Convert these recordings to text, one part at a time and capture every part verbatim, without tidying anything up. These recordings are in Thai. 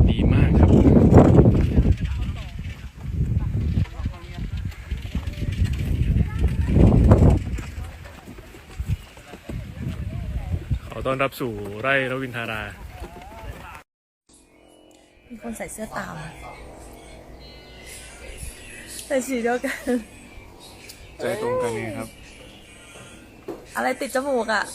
ดีมากครับขอต้อนรับสู่ไร่รวินทารามีคนใส่เสื้อตามใส่สีเดียวกันใจตรงกันเลยครับอะไรติดจมูกอ่ะ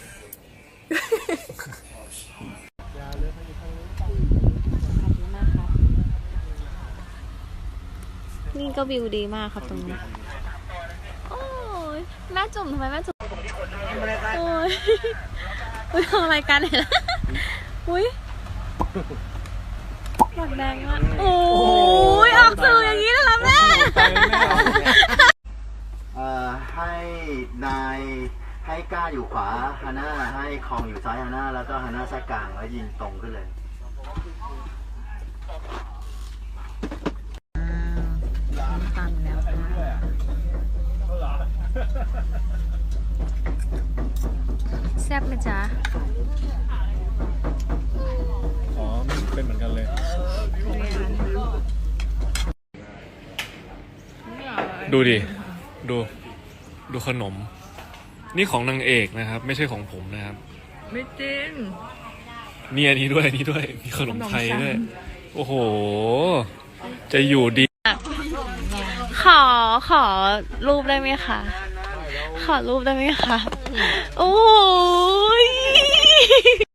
นี่ก็วิวดีมากครับตรงนี้ โอ้ยแม่จุ่มทำไมแม่จุ่มโอ้ยอุ้ยทำรายการไหนล่ะอุ้ยหมดแดงมากโอ้ยออกสื่ออย่างนี้เลยเหรอแม่เอ่อให้นายให้ก้าอยู่ขวาฮาน่าให้คองอยู่ซ้ายฮาน่าแล้วก็ฮาน่าแทรกกลางแล้วยิงตรงขึ้นเลยฟังแล้วแซ่บไหมจ๊ะอ๋อเป็นเหมือนกันเลยดูดิดูดูขนมนี่ของนางเอกนะครับไม่ใช่ของผมนะครับไม่จริงนี่อันนี้ด้วยอันนี้ด้วยมีขนมไทยด้วยโอ้โหจะอยู่ดีขอขอรูปได้ไหมคะ ขอรูปได้ไหมคะ โอ้ย